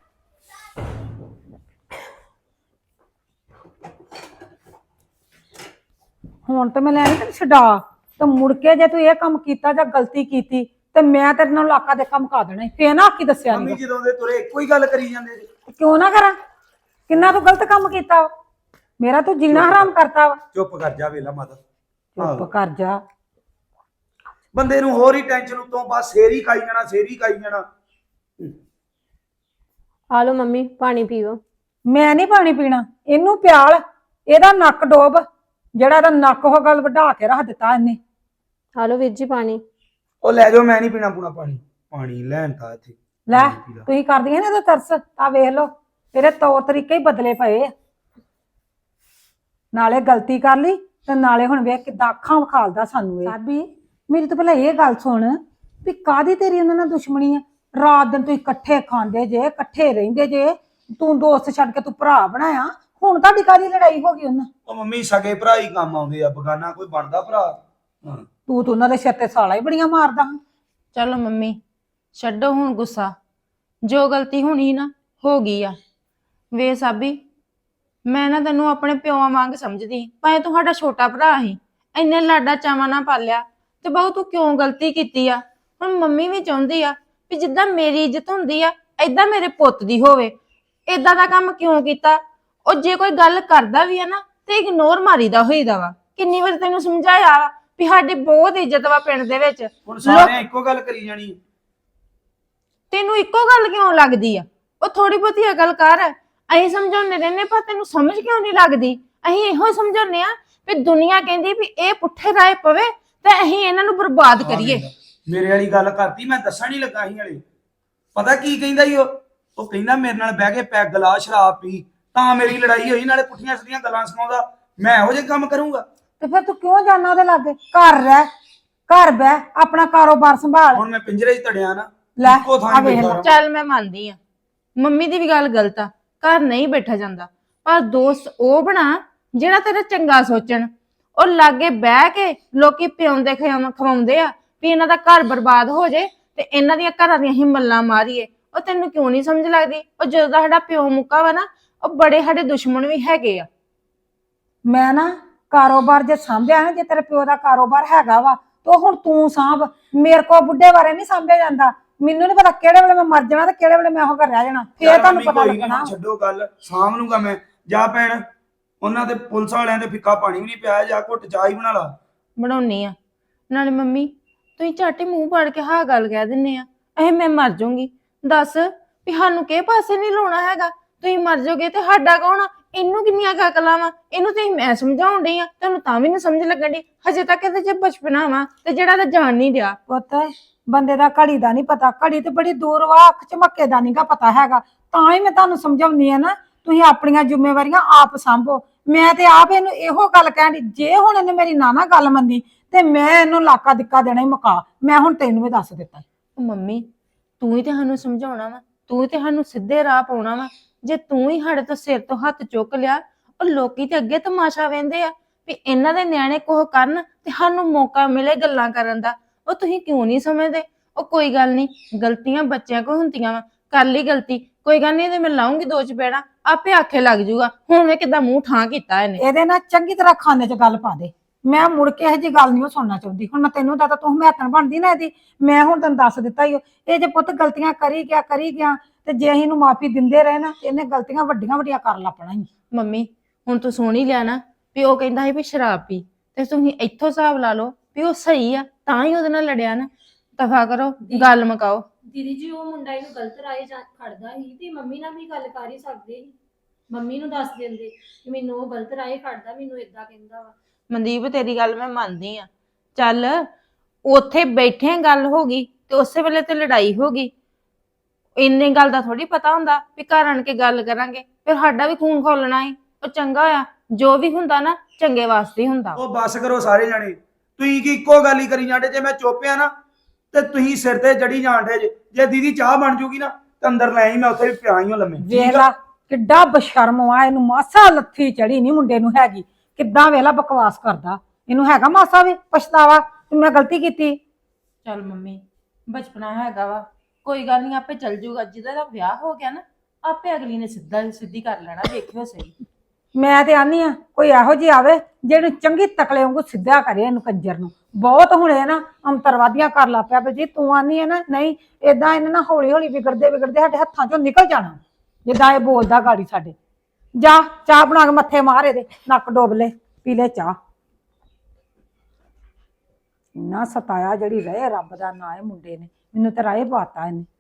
ਹੁਣ ਤੇ ਮੈਂ ਲੈਣੀ ਤੈਨੂੰ ਛਡਾ, ਤੇ ਮੁੜ ਕੇ ਜੇ ਤੂੰ ਇਹ ਕੰਮ ਕੀਤਾ ਜਾਂ ਗਲਤੀ ਕੀਤੀ ਤੇ ਮੈਂ ਤੇਰੇ ਨਾਲ ਇਲਾਕਾ ਦੇ ਕੰਮ ਕਾ ਦੇਣਾ। ਫੇਰ ਨਾ ਆਖੀ ਦੱਸਿਆ
ਮੰਮੀ
ਨਹੀਂ।
ਜਦੋਂ ਦੇ ਤੁਰੇ ਇੱਕੋ ਹੀ ਗੱਲ ਕਰੀ ਜਾਂਦੇ ਜੀ।
ਕਿਉਂ ਨਾ ਕਰਾਂ? ਕਿੰਨਾ ਤੂੰ ਗਲਤ ਕੰਮ ਕੀਤਾ ਵਾ, ਮੇਰਾ ਤੂੰ ਜੀਣਾ ਹਰਾਮ ਕਰਤਾ ਵਾ।
ਚੁੱਪ ਕਰ ਜਾ ਵੇਲਾ ਮਾਤਾ,
ਚੁੱਪ ਕਰ ਜਾ।
ਬੰਦੇ ਨੂੰ ਹੋਰ ਹੀ ਟੈਨਸ਼ਨ ਉਤੋਂ ਬਸ ਸਿਰ ਹੀ ਖਾਈ ਜਾਣਾ, ਸਿਰ ਹੀ ਖਾਈ ਜਾਣਾ।
ਆ ਲਓ ਮੰਮੀ ਪਾਣੀ ਪੀਓ।
ਮੈਂ ਨਹੀਂ ਪਾਣੀ ਪੀਣਾ, ਇਹਨੂੰ ਪਿਆਲ, ਇਹਦਾ ਨੱਕ ਡੋਬ। ਜਿਹੜਾ ਇਹਦਾ ਨੱਕ ਉਹ ਗੱਲ ਵਢਾ ਕੇ ਰੱਖ ਦਿੱਤਾ ਇਹਨੇ।
ਆ ਲਓ ਵੀਰ ਜੀ ਪਾਣੀ।
ਉਹ ਲੈ ਜਾਓ, ਮੈਂ ਨਹੀਂ ਪੀਣਾ ਪੂਣਾ ਪਾਣੀ। ਪਾਣੀ ਲੈਣ ਤਾਂ ਇੱਥੇ
ਲੈ ਤੁਸੀਂ ਕਰਦੀਆਂ ਨੇ ਇਹਦਾ ਤਰਸ। ਆ ਵੇਖ ਲੋ, ਤੇਰੇ ਤੌਰ ਤਰੀਕੇ ਹੀ ਬਦਲੇ ਪਏ ਆ। ਨਾਲੇ ਗਲਤੀ ਕਰ ਲਈ ਤੇ ਨਾਲੇ ਹੁਣ ਵੇਖ ਕਿੱਦਾਂ ਅੱਖਾਂ ਵਿਖਾਲਦਾ ਸਾਨੂੰ ਇਹ। ਸਾਬੀ ਮੇਰੀ ਤਾਂ ਪਹਿਲਾਂ ਇਹ ਗੱਲ ਸੁਣ ਵੀ ਕਾਹਦੀ ਤੇਰੀ ਉਹਨਾਂ ਨਾਲ ਦੁਸ਼ਮਣੀ ਆ? ਰਾਤ ਦਿਨ ਤੁਸੀਂ ਇਕੱਠੇ ਖਾਂਦੇ ਜੇ, ਇਕੱਠੇ ਰਹਿੰਦੇ ਜੇ। ਤੂੰ ਦੋਸਤ ਛੱਡ ਕੇ ਤੂੰ ਭਰਾ ਬਣਾਇਆ, ਹੁਣ ਤੁਹਾਡੀ ਕਾਹਦੀ ਲੜਾਈ ਹੋ ਗਈ ਉਹਨਾਂ?
ਉਹ ਮੰਮੀ ਸਗੇ ਭਰਾ ਹੀ ਕੰਮ ਆਉਂਦੇ ਆ, ਬਗਾਨਾ ਕੋਈ ਬਣਦਾ ਭਰਾ?
ਤੂੰ ਤਾਂ ਉਹਨਾਂ ਦੇ ਸਿਰ ਤੇ ਸਾਲਾ ਹੀ ਬੜੀਆਂ ਮਾਰਦਾ।
ਚਲੋ ਮੰਮੀ ਛੱਡੋ ਹੁਣ ਗੁੱਸਾ, ਜੋ ਗਲਤੀ ਹੋਣੀ ਨਾ ਹੋ ਗਈ ਆ। ਵੇ ਸਾਬੀ, ਮੈਂ ਨਾ ਤੈਨੂੰ ਆਪਣੇ ਪਿਓਾਂ ਵਾਂਗ ਸਮਝਦੀ, ਭਾਵੇਂ ਤੂੰ ਸਾਡਾ ਛੋਟਾ ਭਰਾ ਸੀ, ਇੰਨੇ ਲਾਡਾ ਚਾਵਾਂ ਨਾਲ ਪਾਲਿਆ, ਤੇ ਬਹੁ ਤੂੰ ਕਿਉਂ ਗਲਤੀ ਕੀਤੀ ਆ? ਹੁਣ ਮੰਮੀ ਵੀ ਚਾਹੁੰਦੀ ਆ ਵੀ ਜਿੱਦਾਂ ਮੇਰੀ ਇੱਜ਼ਤ ਹੁੰਦੀ ਆ ਏਦਾਂ ਮੇਰੇ ਪੁੱਤ ਦੀ ਹੋਵੇ। ਏਦਾਂ ਦਾ ਕੰਮ ਕਿਉਂ ਕੀਤਾ? ਉਹ ਜੇ ਕੋਈ ਗੱਲ ਕਰਦਾ ਵੀ ਆ ਨਾ ਤੇ ਇਗਨੋਰ ਮਾਰੀਦਾ ਹੋਈਦਾ ਵਾ। ਕਿੰਨੀ ਵਾਰ ਤੈਨੂੰ ਸਮਝਾਇਆ ਵਾ ਵੀ ਸਾਡੀ ਬਹੁਤ ਇੱਜ਼ਤ ਵਾ ਪਿੰਡ ਦੇ ਵਿੱਚ।
ਹੁਣ ਸਾਰਿਆਂ ਇੱਕੋ ਗੱਲ ਕਰੀ ਜਾਣੀ।
ਤੈਨੂੰ ਇੱਕੋ ਗੱਲ ਕਿਉਂ ਲੱਗਦੀ ਆ? ਉਹ ਥੋੜੀ ਬਹੁਤੀ ਅਕਲ ਕਰ। ਅਸੀਂ ਸਮਝਾਉਂਦੇ ਰਹਿੰਦੇ, ਪਰ ਤੈਨੂੰ ਸਮਝ ਕਿਉਂ ਨਹੀਂ ਲੱਗਦੀ? ਅਸੀਂ ਇਹੋ ਸਮਝਾਉਂਦੇ ਆ ਵੀ ਦੁਨੀਆ ਕਹਿੰਦੀ ਵੀ ਇਹ ਪੁੱਠੇ ਰਾਹ ਪਵੇ ਤੇ ਅਸੀਂ ਇਹਨਾਂ ਨੂੰ ਬਰਬਾਦ ਕਰੀਏ।
ਮੇਰੇ ਵਾਲੀ ਗੱਲ ਕਰਤੀ, ਮੈਂ ਦੱਸਣ ਹੀ ਲੱਗਾ ਸੀ ਹਲੇ। ਪਤਾ ਕੀ ਕਹਿੰਦਾ ਈ ਉਹ ਕਹਿੰਦਾ ਮੇਰੇ ਨਾਲ ਬਹਿ ਕੇ ਪੈਗ ਲਾ, ਸ਼ਰਾਬ ਪੀ, ਤਾਂ ਮੇਰੀ ਲੜਾਈ ਹੋਈ। ਨਾਲੇ ਪੁੱਠੀਆਂ ਸਿੱਧੀਆਂ ਗੱਲਾਂ ਸੁਣਾਉਂਦਾ। ਮੈਂ ਇਹੋ ਜਿਹੇ ਕੰਮ ਕਰੂੰਗਾ?
ਤੇ ਫਿਰ ਤੂੰ ਕਿਉਂ ਜਾਣਾ ਉਹਦੇ ਲਾਗੇ? ਘਰ ਰਹਿ, ਘਰ ਬਹਿ, ਆਪਣਾ ਕਾਰੋਬਾਰ ਸੰਭਾਲ।
ਹੁਣ ਮੈਂ ਪਿੰਜਰੇ 'ਚ ਤੜਿਆ ਨਾ,
ਲੈ
ਇੱਕੋ ਥਾਂ
ਆ ਵੇਖ ਲੈ।
ਚੱਲ ਮੈਂ ਮੰਨਦੀ ਆ ਮੰਮੀ ਦੀ ਵੀ ਗੱਲ ਗਲਤ ਆ, ਘਰ ਨਹੀਂ ਬੈਠਾ ਜਾਂਦਾ, ਪਰ ਦੋਸਤ ਉਹ ਬਣਾ ਜਿਹੜਾ ਤੇਰਾ ਚੰਗਾ ਸੋਚਣ। ਉਹ ਲਾਗੇ ਬਹਿ ਕੇ ਲੋਕੀ ਪਿਆਉਂਦੇ ਖਵਾਉਂਦੇ ਆ ਵੀ ਇਹਨਾਂ ਦਾ ਘਰ ਬਰਬਾਦ ਹੋ ਜੇ ਤੇ ਇਹਨਾਂ ਦੀਆਂ ਘਰਾਂ ਦੀਆਂ ਹੀ ਮੱਲਾਂ ਮਾਰੀਏ। ਉਹ ਤੈਨੂੰ ਕਿਉਂ ਨਹੀਂ ਸਮਝ ਲੱਗਦੀ? ਉਹ ਜਦੋਂ ਦਾ ਸਾਡਾ ਪਿਓ ਮੁੱਕਾ ਵਾ ਨਾ, ਉਹ ਬੜੇ ਸਾਡੇ ਦੁਸ਼ਮਣ ਵੀ ਹੈਗੇ ਆ।
ਮੈਂ ਨਾ ਕਾਰੋਬਾਰ ਜੇ ਸਾਂਭਿਆ ਨਾ, ਜੇ ਤੇਰੇ ਪਿਓ ਦਾ ਕਾਰੋਬਾਰ ਹੈਗਾ ਵਾ ਤਾਂ ਹੁਣ ਤੂੰ ਸਾਂਭ। ਮੇਰੇ ਕੋ ਬੁੱਢੇ ਬਾਰੇ ਨਹੀਂ ਸਾਂਭਿਆ ਜਾਂਦਾ। ਮੈਨੂੰ ਨਹੀਂ ਪਤਾ ਕਿਹੜੇ ਵੇਲੇ ਮੈਂ ਮਰ ਜਾਣਾ ਤੇ ਕਿਹੜੇ ਵੇਲੇ ਮੈਂ ਉਹ ਘਰ ਰਹਿ ਜਾਣਾ, ਫੇਰ
ਚੱਲ
ਤੁਹਾਨੂੰ
ਮੰਮੀ
ਪਤਾ
ਕੋਈ ਨੀ,
ਲੱਗਣਾ।
ਛੱਡੋ ਗੱਲ, ਸਾਂਭ ਲੂੰਗਾ ਮੈਂ। ਜਾ ਭੈਣ, ਉਹਨਾਂ ਦੇ ਪੁਲਿਸ ਵਾਲਿਆਂ ਦੇ ਫਿੱਕਾ ਪਾਣੀ ਵੀ ਨਹੀਂ ਪਿਆ, ਜਾ ਘੁੱਟ ਚਾਹ ਹੀ ਬਣਾ ਲਾ।
ਬਣਾਉਣੀ ਆ। ਨਾਲੇ ਮੰਮੀ ਤੁਸੀਂ ਝਾਟੀ ਮੂੰਹ ਪਾੜ ਕੇ ਹਾਂ ਗੱਲ ਕਹਿ ਦਿੰਨੇ ਆ, ਇਹ ਮੈਂ ਮਰ ਜਾਊਂਗੀ। ਦੱਸ ਵੀ ਸਾਨੂੰ ਕਿਹ ਪਾਸੇ ਨਹੀਂ ਲਾਉਣਾ ਹੈਗਾ? ਤੁਸੀਂ ਮਰ ਜਾਓਗੇ ਤੇ ਸਾਡਾ ਕੌਣ ਆ? ਇਹਨੂੰ ਕਿੰਨੀਆਂ ਅਕਲਾਂ ਵਾ? ਇਹਨੂੰ ਤੇ ਮੈਂ ਸਮਝਾਉਣ ਡਈ ਆ, ਤੁਹਾਨੂੰ ਤਾਂ ਵੀ ਨਹੀਂ ਸਮਝ ਲੱਗਣ ਡਈ। ਹਜੇ ਤੱਕ ਇਹਦੇ ਚ ਬਚਪਨਾ ਵਾ ਤੇ ਜਿਹੜਾ ਤਾਂ ਜਾਣ ਨਹੀਂ ਡਿਆ।
ਪੁੱਤ ਬੰਦੇ ਦਾ ਘੜੀ ਦਾ ਨਹੀਂ ਪਤਾ, ਘੜੀ ਤੇ ਬੜੀ ਦੂਰ ਵਾ, ਅੱਖ ਝਮੱਕੇ ਦਾ ਨਹੀਂਗਾ ਪਤਾ ਹੈਗਾ। ਤਾਂ ਹੀ ਮੈਂ ਤੁਹਾਨੂੰ ਸਮਝਾਉਂਦੀ ਆ ਨਾ, ਤੁਸੀਂ ਆਪਣੀਆਂ ਜ਼ਿੰਮੇਵਾਰੀਆਂ ਆਪ ਸੰਭੋ। ਮੈਂ ਤੇ ਆਪ ਇਹਨੂੰ ਇਹੋ ਗੱਲ ਕਹਿਣੀ, ਜੇ ਹੁਣ ਇਹਨੇ ਮੇਰੀ ਨਾ ਗੱਲ ਮੰਨੀ ਤੇ ਮੈਂ ਇਹਨੂੰ ਲਾਕਾ ਦਿੱਕਾ ਦੇਣਾ ਹੀ ਮੁਕਾ। ਮੈਂ ਹੁਣ ਤੈਨੂੰ ਵੀ ਦੱਸ ਦਿੱਤਾ।
ਉਹ ਮੰਮੀ ਤੂੰ ਹੀ ਤੇ ਸਾਨੂੰ ਸਮਝਾਉਣਾ ਵਾ, ਤੂੰ ਹੀ ਤੇ ਸਾਨੂੰ ਸਿੱਧੇ ਰਾਹ ਪਾਉਣਾ ਵਾ। ਜੇ ਤੂੰ ਹੀ ਸਾਡੇ ਤੋਂ ਸਿਰ ਤੋਂ ਹੱਥ ਚੁੱਕ ਲਿਆ, ਉਹ ਲੋਕੀ ਤੇ ਅੱਗੇ ਤਮਾਸ਼ਾ ਵੇਂਦੇ ਆ ਵੀ ਇਹਨਾਂ ਦੇ ਨਿਆਣੇ ਕੋਹ ਕਰਨ ਤੇ ਸਾਨੂੰ ਮੌਕਾ ਮਿਲੇ ਗੱਲਾਂ ਕਰਨ ਦਾ। ਉਹ ਤੁਸੀਂ ਕਿਉਂ ਨਹੀਂ ਸਮਝਦੇ? ਉਹ ਕੋਈ ਗੱਲ ਨਹੀਂ, ਗਲਤੀਆਂ ਬੱਚਿਆਂ ਕੋਲ ਹੁੰਦੀਆਂ ਵਾ, ਕਰ ਲਈ ਗਲਤੀ, ਕੋਈ ਗੱਲ ਨਹੀਂ, ਇਹਦੇ ਮੈਂ ਲਾਉਂਗੀ 2 ਚਪੇੜਾਂ, ਆਪੇ ਆਖੇ ਲੱਗ ਜੂਗਾ। ਹੁਣ ਵੇ ਕਿਦਾਂ ਮੂੰਹ ਠਾਂ ਕੀਤਾ ਇਹਨੇ।
ਇਹਦੇ ਨਾਲ ਚੰਗੀ ਤਰ੍ਹਾਂ ਖਾਨੇ 'ਚ ਗੱਲ ਪਾ ਦੇ। ਮੈਂ ਮੁੜ ਕੇ ਇਹੋ ਜਿਹੀ ਗੱਲ ਨਹੀਂ ਸੁਣਨਾ ਚਾਹੁੰਦੀ। ਹੁਣ ਮੈਂ ਤੈਨੂੰ ਦੱਸਦਾ, ਤੂੰ ਹਮੇਤਨ ਬਣਦੀ ਨਾ ਇਹਦੀ। ਮੈਂ ਹੁਣ ਤੈਨੂੰ ਦੱਸ ਦਿੱਤਾ ਹੀ, ਇਹ ਜੇ ਪੁੱਤ ਗਲਤੀਆਂ ਕਰੀ ਗਿਆ ਤੇ ਜੇ ਅਸੀਂ ਇਹਨੂੰ ਮਾਫੀ ਦਿੰਦੇ ਰਹੇ ਨਾ, ਇਹਨੇ ਗਲਤੀਆਂ ਵੱਡੀਆਂ ਵੱਡੀਆਂ ਕਰ ਲੱਪਣਾ ਹੀ।
ਮੰਮੀ ਹੁਣ ਤੂੰ ਸੁਣ ਹੀ ਲਿਆ ਨਾ ਵੀ ਉਹ ਕਹਿੰਦਾ ਸੀ ਵੀ ਸ਼ਰਾਬ ਪੀ, ਤੇ ਤੁਸੀਂ ਇੱਥੋਂ ਹਿਸਾਬ ਲਾ ਲਓ ਵੀ ਉਹ ਸਹੀ ਆ, ਤਾਂ ਹੀ ਉਹਦੇ ਨਾਲ ਲੜਿਆ ਨਾ। ਦਫਾ ਕਰੋ, ਗੱਲ ਮੁਕਾਓ।
ਦੀਦੀ ਜੀ ਉਹ ਮੁੰਡਾ ਇਹਨੂੰ ਗਲਤ ਰਾਹ ਖੜਦਾ ਸੀ ਤੇ ਮੰਮੀ ਨਾਲ ਵੀ ਗੱਲ ਕਰ ਹੀ ਸਕਦੇ ਸੀ। ਮੰਮੀ ਨੂੰ ਦੱਸ ਦਿੰਦੇ ਕਿ ਮੈਨੂੰ ਉਹ ਗਲਤ ਰਾਹ ਖੜਦਾ, ਮੈਨੂੰ ਇਦਾਂ ਕਹਿੰਦਾ ਵਾ।
ਮਨਦੀਪ ਤੇਰੀ ਗੱਲ ਮੈਂ ਮੰਨਦੀ ਆ, ਚੱਲ ਉੱਥੇ ਬੈਠੇ ਗੱਲ ਹੋ ਗਈ ਤੇ ਉਸੇ ਵੇਲੇ ਤੇ ਲੜਾਈ ਹੋ ਗਈ। ਇੰਨੇ ਗੱਲ ਦਾ ਥੋੜੀ ਪਤਾ ਹੁੰਦਾ ਵੀ ਘਰ ਆਣ ਕੇ ਗੱਲ ਕਰਾਂਗੇ, ਫਿਰ ਸਾਡਾ ਵੀ ਖੂਨ ਖੋਲਣਾ ਹੈ। ਉਹ ਚੰਗਾ ਆ, ਜੋ ਵੀ ਹੁੰਦਾ ਨਾ ਚੰਗੇ ਵਾਸਤੇ ਹੀ ਹੁੰਦਾ।
ਉਹ ਬਸ ਕਰੋ ਸਾਰੇ ਜਣੇ, ਤੁਸੀਂ ਕੀ ਇੱਕੋ ਗੱਲ ਹੀ ਕਰੀ ਜਾਂਦੇ? ਜੇ ਮੈਂ ਚੁੱਪਿਆ ਨਾ ਤੇ ਤੁਸੀਂ ਸਿਰ ਤੇ ਚੜੀ ਜਾਂਦੇ ਜੇ ਦੀਦੀ ਚਾਹ ਬਣ ਜੂਗੀ ਨਾ ਤੇ ਅੰਦਰ ਲੈ ਆਈ, ਮੈਂ ਉੱਥੇ ਵੀ ਪਿਆ ਹੀ ਹਾਂ ਲੰਮੇ।
ਵੇਖ ਲਾ ਕਿੱਡਾ ਬਸ਼ਰਮ ਆ, ਇਹਨੂੰ ਮਾਸਾ ਲੱਥੀ ਚੜੀ ਨਹੀਂ ਮੁੰਡੇ ਨੂੰ ਹੈਗੀ। ਕਿੱਦਾਂ ਵੇਲਾ ਬਕਵਾਸ ਕਰਦਾ, ਇਹਨੂੰ ਹੈਗਾ ਮਾਸਾ ਵੀ ਪਛਤਾਵਾ ਕਿ ਮੈਂ ਗਲਤੀ ਕੀਤੀ?
ਚੱਲ ਮੰਮੀ ਬਚਪਨਾ ਹੈਗਾ ਵਾ, ਕੋਈ ਗੱਲ ਨਹੀਂ, ਆਪੇ ਚੱਲ ਜੂਗਾ। ਜਿਹਦਾ ਦਾ ਵਿਆਹ ਹੋ ਗਿਆ ਨਾ, ਆਪੇ ਅਗਲੀ ਨੇ ਸਿੱਧੀ ਕਰ ਲੈਣਾ, ਵੇਖਿਓ ਸਹੀ।
ਮੈਂ ਤੇ ਆਨੀ ਆ ਕੋਈ ਇਹੋ ਜਿਹੀ ਆਵੇ ਜਿਹਨੂੰ ਚੰਗੀ ਤਕਲੇ ਵਾਂਗੂ ਸਿੱਧਾ ਕਰੇ ਇਹਨੂੰ ਕੰਜਰ ਨੂੰ। ਬਹੁਤ ਹੁਣੇ ਨਾ ਅੰਤਰਵਾਦੀਆਂ ਕਰ ਲਾ ਪਿਆ। ਵੀ ਜੀ ਤੂੰ ਆਨੀ ਹੈ ਨਾ, ਨਹੀਂ ਏਦਾਂ ਇਹਨੇ ਨਾ ਹੌਲੀ ਹੌਲੀ ਵਿਗੜਦੇ ਸਾਡੇ ਹੱਥਾਂ ਚੋਂ ਨਿਕਲ ਜਾਣਾ, ਜਿੱਦਾਂ ਇਹ ਬੋਲਦਾ ਗਾੜੀ ਸਾਡੇ। ਜਾ ਚਾਹ ਬਣਾ ਕੇ ਮੱਥੇ ਮਾਰ ਇਹਦੇ, ਨੱਕ ਡੋਬ ਲੈ, ਪੀ ਲੈ ਚਾਹ। ਇੰਨਾ ਸਤਾਇਆ ਜਿਹੜੀ ਰਹੇ ਰੱਬ ਦਾ ਨਾਂ ਹੈ ਮੁੰਡੇ ਨੇ, ਮੈਨੂੰ ਤਾਂ ਰਾਏ ਪਾਤਾ ਇਹਨੇ।